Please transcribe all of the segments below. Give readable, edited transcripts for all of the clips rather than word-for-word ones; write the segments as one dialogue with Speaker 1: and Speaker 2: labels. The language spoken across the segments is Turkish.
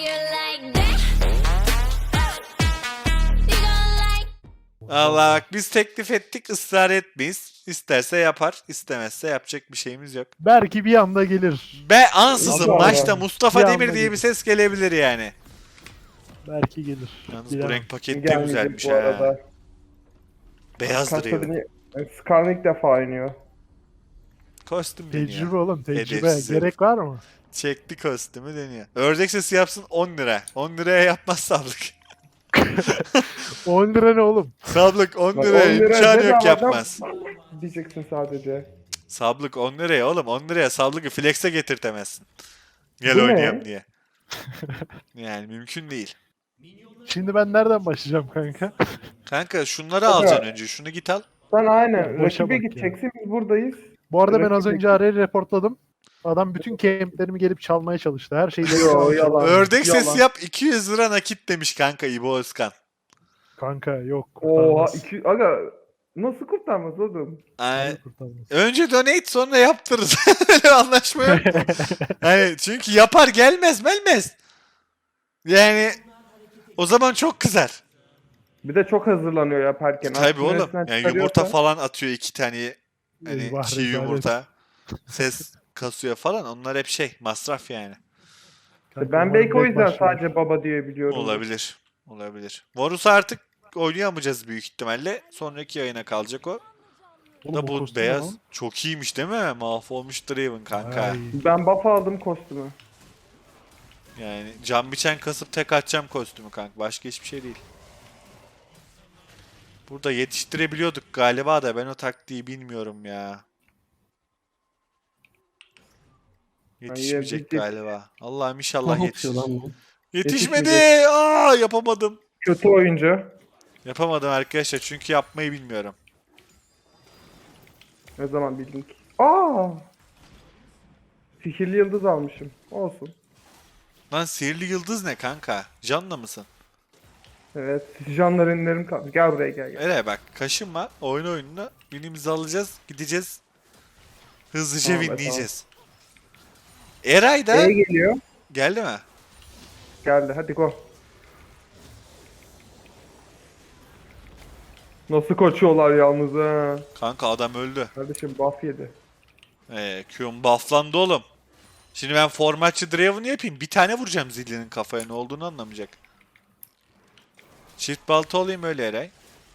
Speaker 1: Allah bak biz teklif ettik ısrar etmeyiz. İsterse yapar, istemezse yapacak bir şeyimiz yok.
Speaker 2: Belki bir anda gelir.
Speaker 1: Be ansızın
Speaker 3: Allah
Speaker 1: maçta
Speaker 3: Allah.
Speaker 1: Mustafa
Speaker 2: Bir
Speaker 1: Demir
Speaker 2: anda
Speaker 1: diye bir
Speaker 2: gelir.
Speaker 1: ses gelebilir yani.
Speaker 2: Belki gelir.
Speaker 1: Yalnız bu
Speaker 2: Bilemem.
Speaker 1: renk paket de
Speaker 3: Gelmeyecek
Speaker 1: güzelmiş
Speaker 3: bu
Speaker 1: ha.
Speaker 3: arada.
Speaker 1: Beyazdır ya.
Speaker 3: Skarn ilk defa oynuyor.
Speaker 1: Kostüm deniyor.
Speaker 2: Tecrübe oğlum tecrübe.
Speaker 1: Edepsiz
Speaker 2: Gerek var mı?
Speaker 1: Çekti kostümü deniyor. Ördek sesi yapsın 10 lira. 10 liraya yapmaz sablık.
Speaker 2: 10 lira ne oğlum?
Speaker 1: Sablık 10
Speaker 3: Bak,
Speaker 1: liraya
Speaker 3: 10 lira
Speaker 1: imkanı
Speaker 3: dedi
Speaker 1: yok
Speaker 3: ama
Speaker 1: yapmaz.
Speaker 3: Diyeceksin sadece.
Speaker 1: Sablık 10 liraya oğlum 10 liraya sablıkı flex'e getirtemezsin. Gel
Speaker 3: Bu ne?
Speaker 1: oynayalım diye. Yani mümkün değil.
Speaker 2: Şimdi ben nereden başlayacağım kanka?
Speaker 1: Kanka şunları
Speaker 3: Kanka.
Speaker 1: alacaksın önce. Şunu git al.
Speaker 3: Sen aynen.
Speaker 2: Boşa
Speaker 3: Rakibe
Speaker 2: bak
Speaker 3: gideceksin. Biz buradayız.
Speaker 2: Bu arada ben az
Speaker 3: Rakip
Speaker 2: önce arayı reportladım. Adam bütün kemplerimi gelip çalmaya çalıştı. Her şeyi
Speaker 3: Yo, yalan.
Speaker 1: Ördek
Speaker 3: Yalan.
Speaker 1: sesi yap 200 lira nakit demiş kanka İbo Özkan.
Speaker 2: Kanka yok.
Speaker 3: Oha.
Speaker 2: Kurtarmaz.
Speaker 3: Aga nasıl kurtarmaz oğlum?
Speaker 1: Ay,
Speaker 2: Kurtarmaz.
Speaker 1: önce donate sonra yaptırırız. Öyle anlaşma yok. Hani çünkü yapar gelmez melmez. Yani o zaman çok kızar.
Speaker 3: Bir de çok hazırlanıyor yaparken.
Speaker 1: Tabii
Speaker 3: Aklını
Speaker 1: oğlum.
Speaker 3: resmen
Speaker 1: Yani
Speaker 3: çıkarıyorsa-
Speaker 1: yumurta falan atıyor 2 tane. Hani
Speaker 2: Eyvah,
Speaker 1: çiğ
Speaker 2: rezalet.
Speaker 1: yumurta. Ses kasıyor falan. Onlar hep şey masraf yani.
Speaker 2: Kanka,
Speaker 3: Ben belki o
Speaker 2: direkt
Speaker 3: yüzden
Speaker 2: başlıyorum.
Speaker 3: sadece baba diye biliyorum.
Speaker 1: Olabilir. Olabilir. Varus'u artık oynayamayacağız büyük ihtimalle. Sonraki yayına kalacak o.
Speaker 2: Oğlum,
Speaker 1: Da
Speaker 2: o
Speaker 1: bu
Speaker 2: kostüm
Speaker 1: beyaz
Speaker 2: lan.
Speaker 1: çok iyiymiş değil mi? Mahvolmuş Draven kanka.
Speaker 2: Ay,
Speaker 3: Ben buff aldım kostümü.
Speaker 1: Yani can biçen kasıp tek atacağım kostümü kanka. Başka hiçbir şey değil. Burada yetiştirebiliyorduk galiba da ben o taktiği bilmiyorum ya. Yetişmeyecek
Speaker 3: yetiştik.
Speaker 1: galiba. Allah'ım inşallah
Speaker 4: Ne
Speaker 1: yetişir.
Speaker 4: yapıyor lan bu?
Speaker 1: Yetişmedi.
Speaker 3: Yetişmeyecek.
Speaker 1: Aa yapamadım.
Speaker 3: Kötü oyuncu.
Speaker 1: Yapamadım arkadaşlar çünkü yapmayı bilmiyorum.
Speaker 3: Ne zaman bildik? Aa! Sihirli yıldız almışım. Olsun.
Speaker 1: Lan sihirli yıldız ne kanka? Canla mısın?
Speaker 3: Evet. Canlar ünlerim kaldı. Gel buraya gel.
Speaker 1: Öyle bak kaşınma. Oyun oyununa binimizi alacağız. Gideceğiz. Hızlıca
Speaker 3: Tamam,
Speaker 1: winleyeceğiz. Eray da
Speaker 3: E geliyor.
Speaker 1: geldi mi?
Speaker 3: Geldi. Hadi go. Nasıl koşuyorlar yalnız ha.
Speaker 1: Kanka adam öldü.
Speaker 3: Kardeşim buff yedi.
Speaker 1: Q'm bufflandı oğlum. Şimdi ben formatçı Draven'ı yapayım. Bir tane vuracağım Zillion'in kafaya ne olduğunu anlamayacak. Çift balta olayım öyle Eray.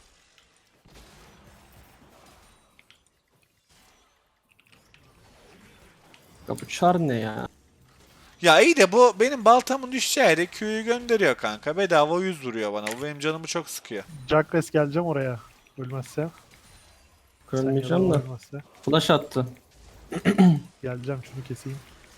Speaker 4: Ya bu çar ne ya?
Speaker 1: Ya iyi de bu benim baltamın düşeceği yere Q'yu gönderiyor kanka. Bedava 100 vuruyor bana. Bu benim canımı çok sıkıyor.
Speaker 2: Jacques geleceğim oraya. Ölmezse.
Speaker 4: Görmeyeceğim
Speaker 2: Sen
Speaker 4: de.
Speaker 2: ya ölmezse.
Speaker 4: Flash attı.
Speaker 2: Geleceğim şunu keseyim.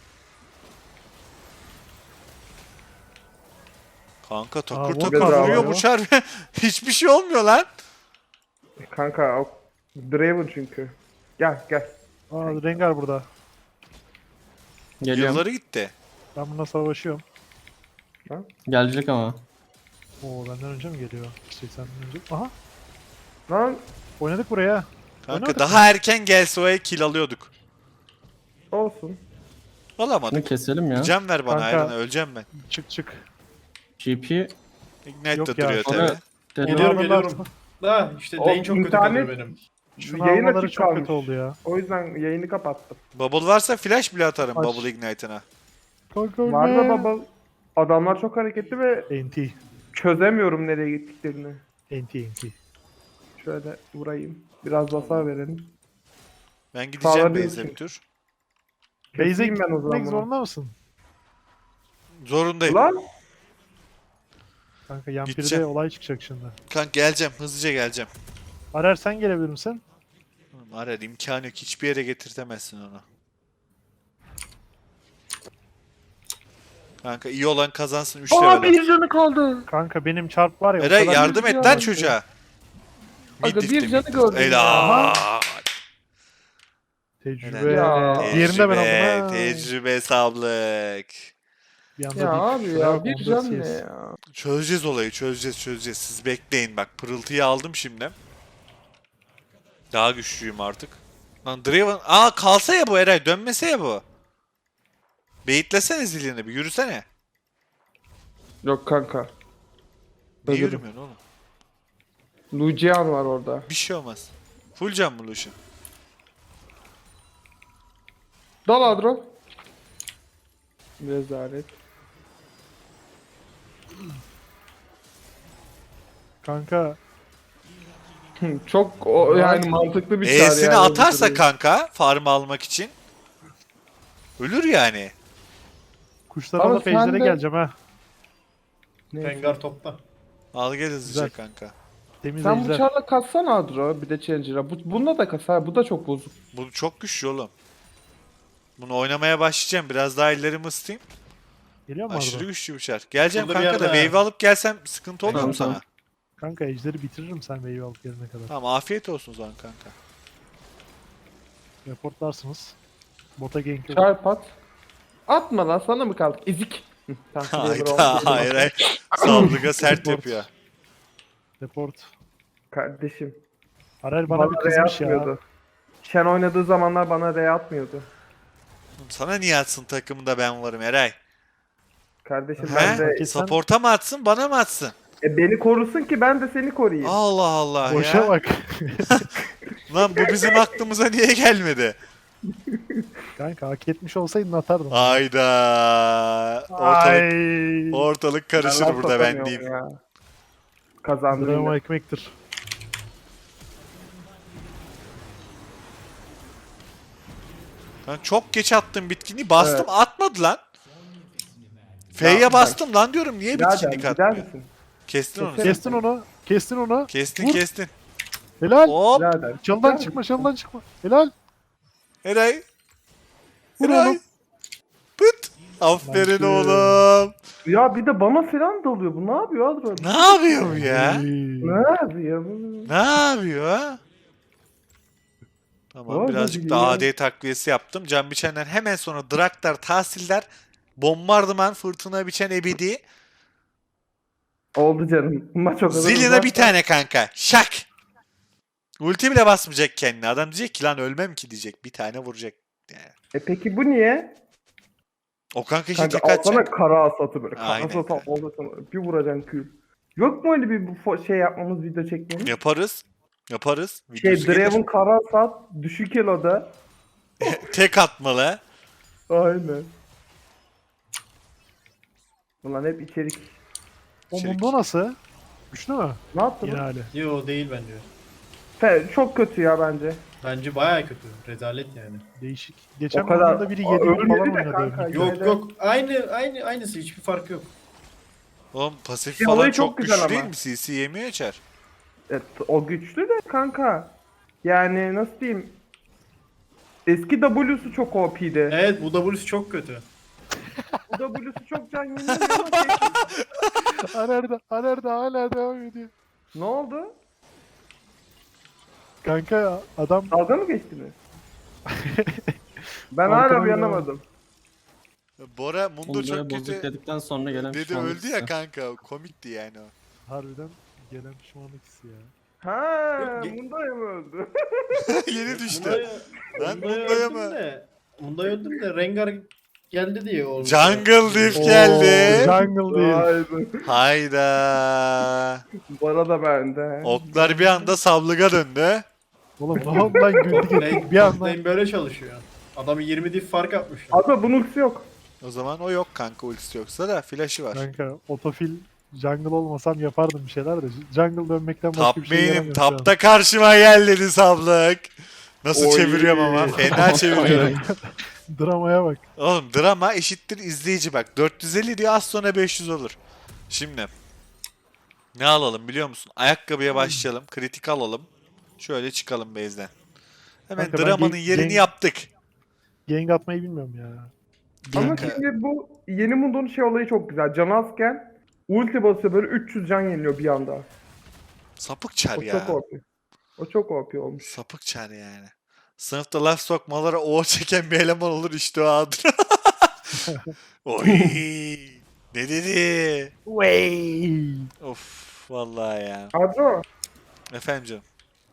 Speaker 1: Kanka takır
Speaker 2: Aa, bu
Speaker 1: takır
Speaker 3: bedava
Speaker 1: vuruyor
Speaker 3: ya.
Speaker 1: bu çar. Hiçbir şey olmuyor lan.
Speaker 3: Kanka o Draven çünkü. Gel gel.
Speaker 2: Aa Rengar burada.
Speaker 4: Geliyorum.
Speaker 1: Yılları gitti.
Speaker 2: Ben bununla savaşıyorum.
Speaker 4: Gelecek ama.
Speaker 2: Oo benden önce mi geliyor? Şey senden önce. Aha
Speaker 3: Lan
Speaker 2: oynadık buraya.
Speaker 1: Kanka
Speaker 2: Oynadık
Speaker 1: daha erken gelse o kill alıyorduk.
Speaker 3: olsun.
Speaker 1: Alamadık.
Speaker 4: Bunu keselim ya.
Speaker 1: Can ver bana
Speaker 2: Kanka.
Speaker 1: Ayran'a öleceğim ben.
Speaker 2: Çık çık.
Speaker 4: GP.
Speaker 1: Ignite
Speaker 2: Yok
Speaker 1: de
Speaker 2: ya,
Speaker 1: duruyor
Speaker 4: sonra-
Speaker 1: tabi.
Speaker 5: Geliyorum
Speaker 2: Alırlar.
Speaker 5: geliyorum. Da işte
Speaker 3: O
Speaker 5: lane çok kötü
Speaker 3: internet-
Speaker 5: kalıyor benim.
Speaker 2: Şunu
Speaker 3: Yayın
Speaker 2: almaları
Speaker 3: açık
Speaker 2: çok
Speaker 3: kalmış.
Speaker 2: kötü oldu ya.
Speaker 3: O yüzden yayını kapattım.
Speaker 1: Bubble varsa flash bile atarım
Speaker 2: Aç.
Speaker 1: Bubble Ignite'ına.
Speaker 2: Kanka
Speaker 3: Var da
Speaker 2: ölme.
Speaker 3: baba. Adamlar çok hareketli ve
Speaker 2: NT.
Speaker 3: çözemiyorum nereye gittiklerini.
Speaker 2: NT.
Speaker 3: Şöyle vurayım. Biraz hasar verelim.
Speaker 1: Ben gideceğim
Speaker 3: Sağlar
Speaker 1: base'e
Speaker 3: diyorsun.
Speaker 1: bir tur.
Speaker 2: Base'e
Speaker 3: Keseyim ben o
Speaker 2: gitmek
Speaker 3: zaman bunu.
Speaker 2: zorunda mısın?
Speaker 1: Zorundayım.
Speaker 3: Lan
Speaker 2: Kanka Yampir'de
Speaker 1: Gideceğim.
Speaker 2: olay çıkacak şimdi.
Speaker 1: Kanka geleceğim. Hızlıca geleceğim.
Speaker 2: Arer sen gelebilir misin?
Speaker 1: Arar imkanı yok. Hiçbir yere getirtemezsin onu. Kanka iyi olan kazansın 3 level.
Speaker 4: bir canı kaldı.
Speaker 2: Kanka benim çarp var ya. o
Speaker 1: Eray
Speaker 2: kadar-
Speaker 1: yardım et lan çocuğa.
Speaker 4: Aga,
Speaker 1: Mid
Speaker 4: bir
Speaker 1: lifte,
Speaker 4: canı
Speaker 1: mid
Speaker 4: gördüm
Speaker 1: lifte.
Speaker 4: ya.
Speaker 1: Helal.
Speaker 2: Tecrübe.
Speaker 3: Ya.
Speaker 2: Diğerini de ben
Speaker 1: Tecrübe,
Speaker 2: aldım ha.
Speaker 1: tecrübe sablık.
Speaker 2: Bir anda
Speaker 3: ya
Speaker 2: bir-
Speaker 3: abi
Speaker 2: şuraya
Speaker 3: ya
Speaker 2: bak,
Speaker 3: bir
Speaker 2: 14
Speaker 3: can ne
Speaker 2: CS.
Speaker 3: ya.
Speaker 1: Çözeceğiz olayı, çözeceğiz. Siz bekleyin bak. Pırıltıyı aldım şimdi. Daha güçlüyüm artık. Lan Draven... Aa kalsa ya bu Eray. Dönmese ya bu. Beyitlesene zilini bir. Yürüsene.
Speaker 3: Yok kanka.
Speaker 1: Niye
Speaker 3: Ölürüm.
Speaker 1: yürümüyorsun oğlum?
Speaker 3: Lucian var orada.
Speaker 1: Bir şey olmaz. Full can mı Lucian?
Speaker 3: Dal Adro. Rezalet.
Speaker 2: Kanka
Speaker 3: Çok yani mantıklı bir çağrı
Speaker 1: E'sini
Speaker 3: yani.
Speaker 1: atarsa kanka farm almak için ölür yani.
Speaker 2: kuşlara
Speaker 3: Ama
Speaker 2: da ejder'e
Speaker 3: sen de-
Speaker 2: geleceğim ha.
Speaker 3: Neyse.
Speaker 4: Rengar topta.
Speaker 1: Al gel hızlıca
Speaker 2: Güzel.
Speaker 1: kanka.
Speaker 2: Temiz
Speaker 3: Sen bu
Speaker 2: ejder.
Speaker 3: çarla katsana Adro. Bir de Challenger'a. Bunda da kas ha. Bu da çok bozuk.
Speaker 1: Bu çok güçlü oğlum. Bunu oynamaya başlayacağım. Biraz daha ellerimi ısıtayım.
Speaker 2: Geliyor mu
Speaker 1: Aşırı
Speaker 2: Arda?
Speaker 1: güçlü bir çar. Geleceğim
Speaker 4: Burada bir
Speaker 1: kanka da
Speaker 4: yerde ha.
Speaker 1: wave alıp gelsem sıkıntı olmuyor mu
Speaker 4: Tamam,
Speaker 1: sana?
Speaker 2: Kanka ejderi bitiririm sen wave alıp gelene kadar.
Speaker 1: Tamam afiyet olsun o zaman kanka.
Speaker 2: Reportlarsınız. Bota gank yok.
Speaker 3: Çarp at. Atma lan sana mı kaldık? Ezik. Hı, tamam,
Speaker 1: Hayda hayır hayır. Sablıga sert
Speaker 2: Report.
Speaker 1: yapıyor.
Speaker 2: Report.
Speaker 3: Kardeşim.
Speaker 2: Arel bana bir kızmış ya.
Speaker 3: atmıyordu. Shen oynadığı zamanlar bana R atmıyordu.
Speaker 1: Oğlum sana niye atsın takımında ben varım Eray?
Speaker 3: Kardeşim ben
Speaker 1: He?
Speaker 3: de...
Speaker 2: Kesin-
Speaker 1: Support'a mı atsın bana mı atsın?
Speaker 3: Beni korusun ki ben de seni koruyayım.
Speaker 1: Allah Allah
Speaker 2: Boşa
Speaker 1: ya.
Speaker 2: bak.
Speaker 1: Lan bu bizim aklımıza niye gelmedi?
Speaker 2: Kanka hak etmiş olsaydın atardım.
Speaker 1: Hayda.
Speaker 2: Ay.
Speaker 1: Ortalık karışır
Speaker 3: laf
Speaker 1: burada ben
Speaker 3: atamıyorum
Speaker 1: diyeyim.
Speaker 3: ya. Kazandım.
Speaker 2: Drama
Speaker 3: yine.
Speaker 2: ekmektir.
Speaker 1: Ben çok geç attım bitkinliği. Bastım
Speaker 3: Evet.
Speaker 1: atmadı lan. F'ye
Speaker 3: Ya,
Speaker 1: bastım lan diyorum. Niye
Speaker 3: Birader,
Speaker 1: bitkinlik
Speaker 3: gider
Speaker 1: atmıyor?
Speaker 3: misin?
Speaker 1: Kestin onu.
Speaker 3: Keserim.
Speaker 1: sen.
Speaker 2: Kestin onu. Kestin onu.
Speaker 1: Kestin
Speaker 2: Vur.
Speaker 1: kestin.
Speaker 2: Helal.
Speaker 1: Hop.
Speaker 3: Birader.
Speaker 2: Çaldan
Speaker 3: gider
Speaker 2: çıkma,
Speaker 3: misin?
Speaker 2: çaldan çıkma. Helal.
Speaker 1: Eray.
Speaker 2: Vur
Speaker 1: Eray.
Speaker 2: oğlum.
Speaker 1: Pıt. Aferin
Speaker 2: Nice.
Speaker 1: oğlum.
Speaker 3: Ya bir de bana falan dalıyor. Bu ne yapıyor Adro?
Speaker 1: Ne yapıyor bu ya?
Speaker 2: Ay.
Speaker 3: Ne yapıyor bu?
Speaker 1: Ne yapıyor ha? Tamam
Speaker 3: Vallahi
Speaker 1: birazcık da
Speaker 3: biliyorum.
Speaker 1: AD takviyesi yaptım. Can biçenden hemen sonra Draktar, Tahsildar, Bombardıman, Fırtına biçen Ebedi.
Speaker 3: Oldu canım. Maç o kadar
Speaker 1: Zillion'a
Speaker 3: uzak.
Speaker 1: bir tane kanka. Şak. Ulti bile basmayacak kendine. Adam diyecek ki lan ölmem ki diyecek. Bir tane vuracak. Yani.
Speaker 3: Peki bu niye?
Speaker 1: O kanka işte
Speaker 3: Kanka
Speaker 1: tek
Speaker 3: alsana
Speaker 1: atacak.
Speaker 3: kara asatı böyle. Kara
Speaker 1: Aynen
Speaker 3: asatı
Speaker 1: kanka.
Speaker 3: oldu sana. Bir vuracaksın kül. Yok mu öyle bir şey yapmamız, video çekmemiz?
Speaker 1: Yaparız. Yaparız.
Speaker 3: Şey
Speaker 1: Videosu gelir.
Speaker 3: Draven kara asat düşük eloda.
Speaker 1: Tek atmalı.
Speaker 3: Aynen. Ulan hep içerik.
Speaker 2: O
Speaker 1: İçerik.
Speaker 2: Mundo nasıl? Güçlü mü?
Speaker 3: Ne yaptın?
Speaker 2: Yine hali.
Speaker 5: Yo değil bence.
Speaker 3: Çok kötü ya bence.
Speaker 5: Bence bayağı kötü. Rezalet yani.
Speaker 2: Değişik. Geçen
Speaker 3: O kadar-
Speaker 2: Mundo'da biri
Speaker 3: Aa,
Speaker 2: 7
Speaker 3: ölmedi
Speaker 2: falan
Speaker 3: de
Speaker 2: oynadı.
Speaker 3: kanka.
Speaker 2: öbürü.
Speaker 5: Yok
Speaker 3: Şeyde-
Speaker 5: yok. Aynısı hiçbir fark yok.
Speaker 1: Oğlum pasif
Speaker 3: Şey,
Speaker 1: falan
Speaker 3: olayı
Speaker 1: çok
Speaker 3: çok güzel
Speaker 1: güçlü
Speaker 3: ama.
Speaker 1: değil mi? CC yemiyor açar.
Speaker 3: Evet, o güçlü de kanka. Yani nasıl diyeyim? Eski W'su çok OP'di.
Speaker 5: Evet bu W'su çok kötü.
Speaker 3: Bu W'su çok can yeniyor ama şey-
Speaker 2: Aner'de hala devam ediyor.
Speaker 3: Ne oldu?
Speaker 2: Kanka adam
Speaker 3: Dalga mı geçtiniz? Ben
Speaker 2: Arkana
Speaker 3: hala uyanamadım.
Speaker 1: Bora Mundo
Speaker 4: Onları
Speaker 1: çok
Speaker 4: bozuk
Speaker 1: kötü
Speaker 4: dedikten sonra gelen
Speaker 1: dedi
Speaker 4: pişmanlık
Speaker 1: öldü ya
Speaker 4: hissi.
Speaker 1: kanka. Komikti yani o.
Speaker 2: harbiden gelen pişmanlık hissi ya.
Speaker 3: Ha,
Speaker 5: Yok,
Speaker 3: Mundo'ya mı öldü?
Speaker 1: Yeni düştü.
Speaker 5: Munda'ya
Speaker 1: Lan Mundo'ya mı?
Speaker 5: Munda'ya öldüm de Rengar geldi diye oldu.
Speaker 1: Jungle Diff
Speaker 2: Oo,
Speaker 1: geldi.
Speaker 2: Jungle değil.
Speaker 3: Haydi.
Speaker 1: Hayda.
Speaker 3: Bana da bende.
Speaker 1: Oklar bir anda sablıga döndü.
Speaker 2: Oğlum ne oldu lan güldük ettik bir anda.
Speaker 5: Lane böyle çalışıyor. Adam 20 diff fark atmış.
Speaker 3: Abi bunun ultisi yok.
Speaker 1: O zaman o yok kanka ultisi yoksa da flash'ı var.
Speaker 2: Kanka otofil jungle olmasam yapardım bir şeyler de jungle dönmekten başka
Speaker 1: Top
Speaker 2: bir şey
Speaker 1: main'im
Speaker 2: yaramıyorum şu an.
Speaker 1: tapta karşıma gel dedi sablık. Nasıl
Speaker 3: Oy.
Speaker 1: çeviriyorum ama fena çeviriyorum.
Speaker 2: Dramaya bak.
Speaker 1: Oğlum drama eşittir izleyici bak. 450 diyor az sonra 500 olur. Şimdi ne alalım biliyor musun? Ayakkabıya başlayalım. Kritik alalım. Şöyle çıkalım base'den. Hemen
Speaker 2: Kanka ben
Speaker 1: dramanın
Speaker 2: gen-
Speaker 1: yerini
Speaker 2: gen-
Speaker 1: yaptık.
Speaker 2: Gank atmayı bilmiyorum ya.
Speaker 3: Ama
Speaker 1: Kanka.
Speaker 3: şimdi bu yeni Mundo'nun şey olayı çok güzel. Can azken ulti basıyor böyle 300 can yeniliyor bir anda.
Speaker 1: Sapık çar
Speaker 3: O
Speaker 1: ya.
Speaker 3: çok OP. O çok OP olmuş.
Speaker 1: Sapık çar yani. Sınıfta laf sokmalara o çeken bir eleman olur işte o adır. Oy. Ne dedi?
Speaker 2: Wey.
Speaker 1: Of vallahi ya.
Speaker 3: Adro,
Speaker 1: Efendim canım.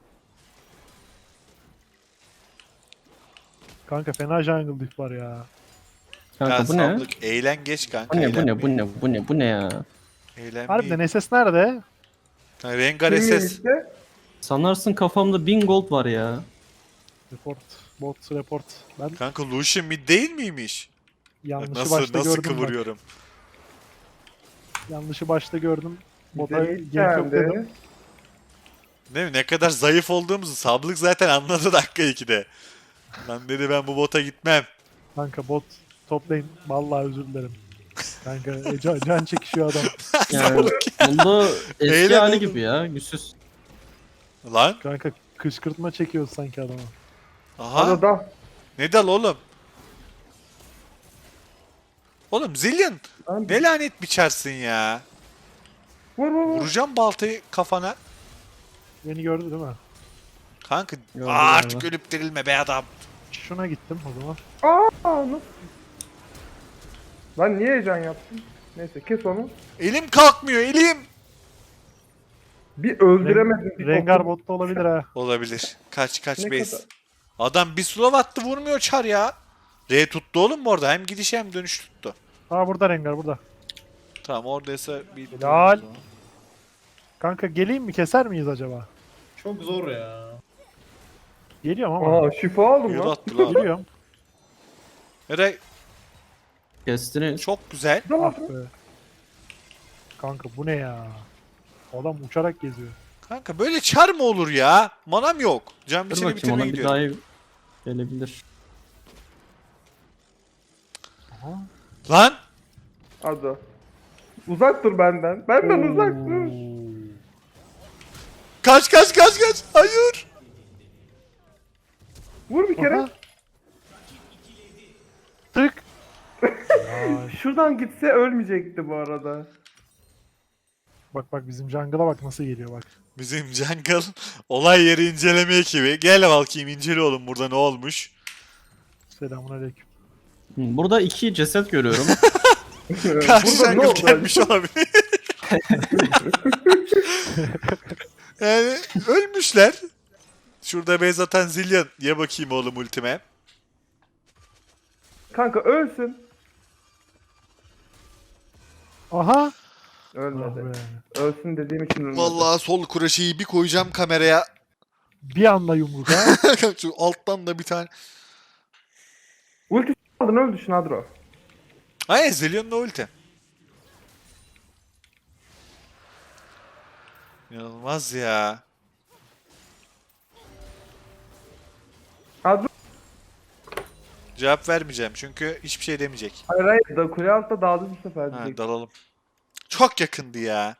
Speaker 2: Kanka fena jungle diff var ya.
Speaker 1: Ya
Speaker 4: Kanka bu ne?
Speaker 1: sablık eğlen geç kanka.
Speaker 4: Bu ne bu
Speaker 1: eğlen.
Speaker 4: ne bu ne bu ne bu ne ya?
Speaker 2: Harbiden SS nerede?
Speaker 1: Rengar
Speaker 3: Bilmiyorum
Speaker 1: SS.
Speaker 3: işte.
Speaker 4: Sanarsın kafamda 1000 gold var ya.
Speaker 2: Report. Bot report. Ben
Speaker 1: Kanka Lucian mid değil miymiş? Bak
Speaker 2: yanlışı
Speaker 1: nasıl
Speaker 2: başta
Speaker 1: nasıl
Speaker 2: gördüm bak.
Speaker 1: kıvırıyorum.
Speaker 2: Yanlışı başta gördüm. Bota
Speaker 3: Bize
Speaker 2: gank yok dedim.
Speaker 3: geldi.
Speaker 1: Değil mi? Ne kadar zayıf olduğumuzu Sablık zaten anladı dakika 2'de. Lan dedi ben bu bota gitmem.
Speaker 2: Kanka bot toplayın. Vallahi özür dilerim. Kanka can çekişiyor adam.
Speaker 4: Yani bunda eski
Speaker 1: Eğlen
Speaker 4: hali
Speaker 1: oğlum.
Speaker 4: gibi ya. Güçsüz.
Speaker 1: Lan.
Speaker 2: Kanka kışkırtma çekiyoruz sanki adama.
Speaker 1: Aha.
Speaker 3: Arada.
Speaker 1: Ne dal oğlum? Oğlum Zillion
Speaker 3: Lan,
Speaker 1: ne lanet biçersin ya.
Speaker 3: Vur vur vur.
Speaker 1: Vuracağım baltayı kafana.
Speaker 2: Beni gördü değil mi?
Speaker 1: Kanka
Speaker 4: Gördüm
Speaker 1: artık
Speaker 4: galiba.
Speaker 1: ölüp dirilme be adam.
Speaker 2: Şuna gittim o zaman.
Speaker 3: Aa nasıl? Lan niye heyecan yaptın? Neyse kes onu.
Speaker 1: Elim kalkmıyor elim.
Speaker 3: Bir öldüremedin. bir
Speaker 2: Rengar
Speaker 3: topu.
Speaker 2: botta olabilir ha.
Speaker 1: Olabilir. Kaç
Speaker 3: Ne
Speaker 1: base.
Speaker 3: kadar?
Speaker 1: Adam bir slow attı vurmuyor çar ya. R tuttu oğlum bu arada. Hem gidiş hem dönüş tuttu.
Speaker 2: Aa burada Rengar burada.
Speaker 1: Tamam oradaysa bir...
Speaker 2: Helal. Kanka geleyim mi keser miyiz acaba?
Speaker 5: Çok zor ya.
Speaker 2: Geliyorum ama.
Speaker 3: Aa şifa aldım
Speaker 1: Yürü
Speaker 3: lan.
Speaker 1: attı lan.
Speaker 2: Geliyorum.
Speaker 1: Eray
Speaker 4: Kestiniz.
Speaker 1: çok güzel.
Speaker 2: Ah be. Kanka bu ne ya? Adam uçarak geziyor.
Speaker 1: Kanka böyle çar mı olur ya? Manam yok. Can
Speaker 4: Dur
Speaker 1: biçini
Speaker 4: bakayım
Speaker 1: bitirmeye
Speaker 4: ona bir
Speaker 1: gidiyorum.
Speaker 4: daha gelebilir.
Speaker 2: Aha.
Speaker 1: Lan!
Speaker 3: Hadi. Uzak dur benden. Benden uzak dur.
Speaker 1: Kaç! Hayır!
Speaker 3: Vur bir kere.
Speaker 2: Aha. Tık. Ay,
Speaker 3: Şuradan gitse ölmeyecekti bu arada.
Speaker 2: bak bizim jungle'a bak nasıl geliyor bak.
Speaker 1: Bizim jungle olay yeri inceleme ekibi. Gel bakayım incele oğlum burada ne olmuş.
Speaker 2: Selamünaleyküm.
Speaker 4: Burada 2 ceset görüyorum.
Speaker 1: Karşı
Speaker 3: Burada ne
Speaker 1: jungle
Speaker 3: oldu?
Speaker 1: gelmiş olabilir. Yani ölmüşler. Şurada base atan Zillion. Ye bakayım oğlum ultime.
Speaker 3: Kanka ölsün.
Speaker 2: Aha. Ah
Speaker 3: Ölmedi.
Speaker 2: be.
Speaker 3: Ölsün dediğim için ölmedi.
Speaker 1: Vallahi sol kuraşeyi bir koyacağım kameraya.
Speaker 2: Bir anda yumruk ha.
Speaker 1: Şu alttan da bir tane.
Speaker 3: Ulti aldın öldü Şnadro.
Speaker 1: Aynen Zillion'la ulti. İnanılmaz ya.
Speaker 3: Adro.
Speaker 1: Cevap vermeyeceğim çünkü hiçbir şey demeyecek.
Speaker 3: Hayır hayır. Da kule altta dağıldı bu sefer
Speaker 1: Ha,
Speaker 3: diyecek.
Speaker 1: dalalım. Çok yakındı ya.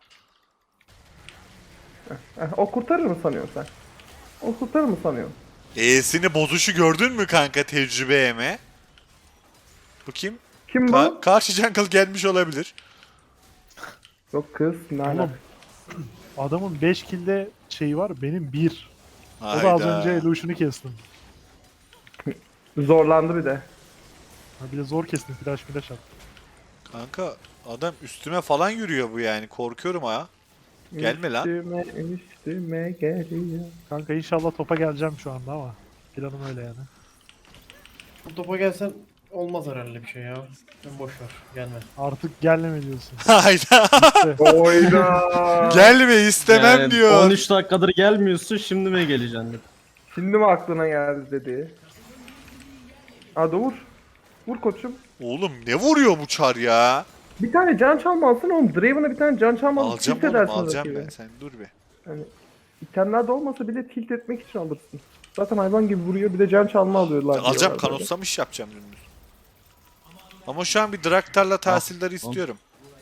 Speaker 3: O kurtarır mı sanıyorsun sen? O kurtarır mı sanıyorsun?
Speaker 1: E'sini bozuşu gördün mü kanka tecrübe eme? Bu kim?
Speaker 3: Kim bu?
Speaker 1: Karşı jungle gelmiş olabilir.
Speaker 3: Yok kız. Ne
Speaker 2: Oğlum.
Speaker 3: alaka?
Speaker 2: Adamın 5 kill'de şeyi var benim 1. O
Speaker 1: Hayda.
Speaker 2: da az önce Illusion'u kestim.
Speaker 3: Zorlandı bir de.
Speaker 2: Ha, bir de zor kestim flash at.
Speaker 1: Kanka adam üstüme falan yürüyor bu yani. Korkuyorum ha. Gelme lan.
Speaker 3: Üstüme geliyor.
Speaker 2: Kanka inşallah topa geleceğim şu anda ama. Planım öyle yani.
Speaker 5: Bu topa gelsen olmaz herhalde bir şey ya. Sen boş ver. Gelme.
Speaker 2: Artık gelme diyorsun.
Speaker 1: Hayda.
Speaker 3: Oyda.
Speaker 1: Gelme istemem
Speaker 4: Yani
Speaker 1: diyor.
Speaker 4: 13 dakikadır gelmiyorsun şimdi mi geleceksin?
Speaker 3: Şimdi mi aklına geldi dedi. Hadi vur. Vur koçum.
Speaker 1: Oğlum ne vuruyor bu çar ya?
Speaker 3: Bir tane can çalma alsın oğlum. Draven'a bir tane can çalma alıp
Speaker 1: Alacağım
Speaker 3: tilt
Speaker 1: oğlum
Speaker 3: edersin
Speaker 1: alacağım
Speaker 3: rakibi.
Speaker 1: ben. Sen dur bir.
Speaker 3: Yani itemler de olmasa bile tilt etmek için alırsın. Zaten hayvan gibi vuruyor bir de can çalma alıyorlar.
Speaker 1: Alacağım
Speaker 3: diyorlar böyle.
Speaker 1: kanotsamış yapacağım dümdüz. Ama şu an bir Draktar'la tahsilleri istiyorum.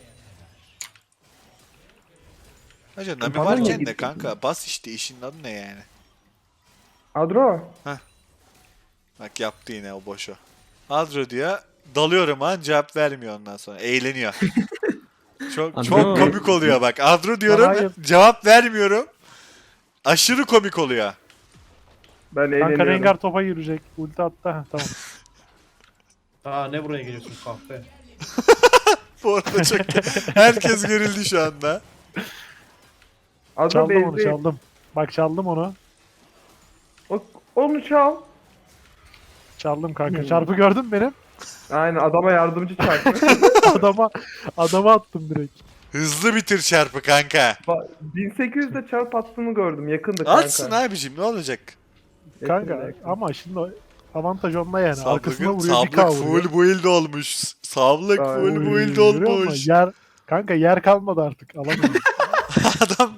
Speaker 1: Hacı Nami
Speaker 3: Bana
Speaker 1: varken
Speaker 3: niye
Speaker 1: de
Speaker 3: gidiyorsun?
Speaker 1: kanka bas işte işin adı ne yani?
Speaker 3: Adro.
Speaker 1: Bak yaptı yine o boşu. Adro diyor dalıyorum ha cevap vermiyor ondan sonra eğleniyor. Çok
Speaker 4: Adro.
Speaker 1: komik oluyor bak. Adro diyorum
Speaker 2: Hayır.
Speaker 1: cevap vermiyorum. Aşırı komik oluyor.
Speaker 3: Ben
Speaker 2: Kanka
Speaker 3: eğleniyorum.
Speaker 2: Rengar topa girecek. Ulti attı. Heh, tamam.
Speaker 5: Aa ne buraya geliyorsun kahpe.
Speaker 1: Bu arada çok herkes gerildi şu anda.
Speaker 3: Adro
Speaker 2: Çaldım onu
Speaker 3: bezdi.
Speaker 2: çaldım. Bak çaldım onu.
Speaker 3: Onu çal.
Speaker 2: Çaldım kanka. Çarpı gördün mü benim?
Speaker 3: Aynen adama yardımcı çarptı.
Speaker 2: Adama attım direkt.
Speaker 1: Hızlı bitir çarpı kanka.
Speaker 3: 1800'de çarp attığını gördüm. Yakındı kanka.
Speaker 1: Atsın abicim ne olacak?
Speaker 2: Kanka
Speaker 3: Yakındı.
Speaker 2: ama şimdi avantaj onda yani. Arkasına
Speaker 1: Sablık,
Speaker 2: vuruyor bir K
Speaker 1: sablık
Speaker 2: vuruyor.
Speaker 1: full build olmuş. Sablık
Speaker 3: Ay,
Speaker 1: full build
Speaker 2: Görüyor musun?
Speaker 1: olmuş.
Speaker 2: Kanka yer kalmadı artık. Alamıyorum.
Speaker 1: Adam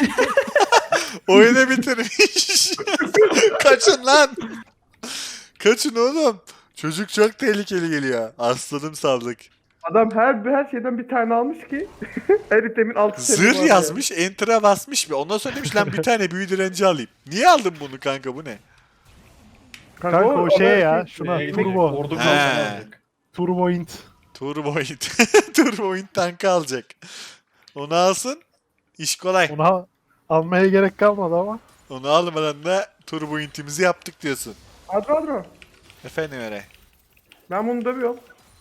Speaker 1: oyunu bitirmiş. Kaçın lan. Kaçın oğlum. Çocuk çok tehlikeli geliyor. Aslanım sablık.
Speaker 3: Adam her şeyden bir tane almış ki her itemin altı
Speaker 1: Zırh yazmış, enter'a basmış bir. Ondan sonra demiş lan bir tane büyü direnci alayım. Niye aldın bunu kanka bu ne?
Speaker 2: Kanka o şeye ya. Şuna
Speaker 5: Neye gidecek?
Speaker 2: turbo.
Speaker 5: Ordu
Speaker 1: He.
Speaker 5: kalkanı alacak.
Speaker 2: Turbo int.
Speaker 1: Turboint. Turboint tankı alacak. Onu alsın. İş kolay.
Speaker 2: Ona almaya gerek kalmadı ama.
Speaker 1: Onu almadan da Turboint'imizi yaptık diyorsun.
Speaker 3: Adro.
Speaker 1: Efendim öyle.
Speaker 3: Ben bunu dövüyorum.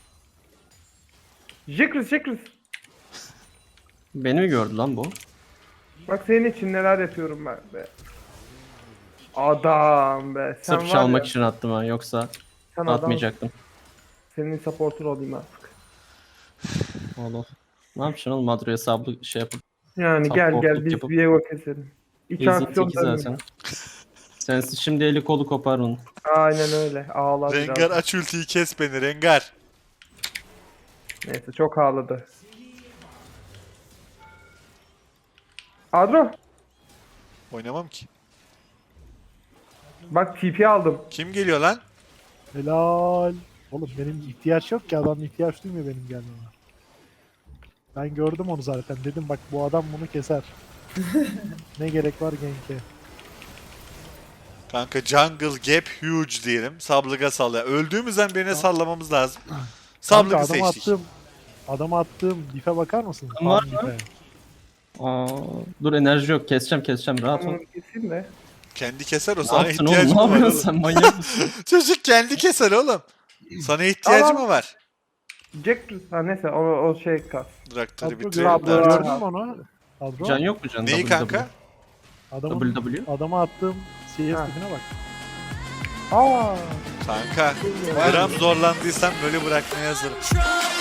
Speaker 3: Jekris.
Speaker 4: Beni mi gördü lan bu?
Speaker 3: Bak senin için neler yapıyorum ben be. Adam be. Sen
Speaker 4: Sırf
Speaker 3: var
Speaker 4: çalmak
Speaker 3: ya,
Speaker 4: için attım ha, yoksa
Speaker 3: sen adam,
Speaker 4: atmayacaktım.
Speaker 3: senin supporter olayım artık.
Speaker 4: Oğlum. Ne yapacaksın oğlum, Madro'ya sablı şey yapıp.
Speaker 3: Yani gel
Speaker 4: Supportluk
Speaker 3: biz
Speaker 4: yapıp-
Speaker 3: Viego keselim. İç
Speaker 4: Ezin
Speaker 3: aksiyon
Speaker 4: teki zaten. Sensiz şimdi eli kolu kopar onun.
Speaker 3: Aynen öyle. Ağlar
Speaker 1: Rengar
Speaker 3: biraz.
Speaker 1: aç ultiyi kes beni Rengar.
Speaker 3: Neyse çok ağladı. Adro.
Speaker 1: Oynamam ki.
Speaker 3: Bak TP aldım.
Speaker 1: Kim geliyor lan?
Speaker 2: Helal. Oğlum benim ihtiyaç yok ki, adam ihtiyaç duymuyor benim gelmeme. Ben gördüm onu zaten. Dedim bak bu adam bunu keser. Ne gerek var gank'e?
Speaker 1: Kanka jungle gap huge diyelim. Sablıga sallaya. Öldüğümüzden birine sallamamız lazım.
Speaker 2: Kanka
Speaker 1: Sablıgı
Speaker 2: adama
Speaker 1: seçtik.
Speaker 2: adama attığım dife bakar mısın?
Speaker 4: Var
Speaker 2: Farm
Speaker 4: mı?
Speaker 2: dife.
Speaker 4: Aa, dur enerji yok, keseceğim rahat ol.
Speaker 3: Bunu keseyim de.
Speaker 1: Kendi keser o
Speaker 4: Ne
Speaker 1: sana
Speaker 4: yaptın
Speaker 1: ihtiyacı
Speaker 4: oğlum,
Speaker 1: mı
Speaker 4: ne
Speaker 1: var
Speaker 4: yapıyorsun
Speaker 1: oğlum?
Speaker 4: sen, manyak mısın?
Speaker 1: Çocuk kendi keser oğlum. Sana ihtiyacı
Speaker 3: Tamam.
Speaker 1: mı var?
Speaker 3: Jekris. Ha neyse o şey kas.
Speaker 1: Traktörü
Speaker 2: Adro
Speaker 1: bitirelim
Speaker 3: Sablı-
Speaker 1: de artık.
Speaker 2: gördün mü onu? Adro.
Speaker 4: Can yok mu can?
Speaker 1: Neyi kanka?
Speaker 2: Adama attığım CS
Speaker 3: Ha.
Speaker 2: tipine bak.
Speaker 3: Aa.
Speaker 1: Kanka gram zorlandıysam böyle bırakmaya hazırım.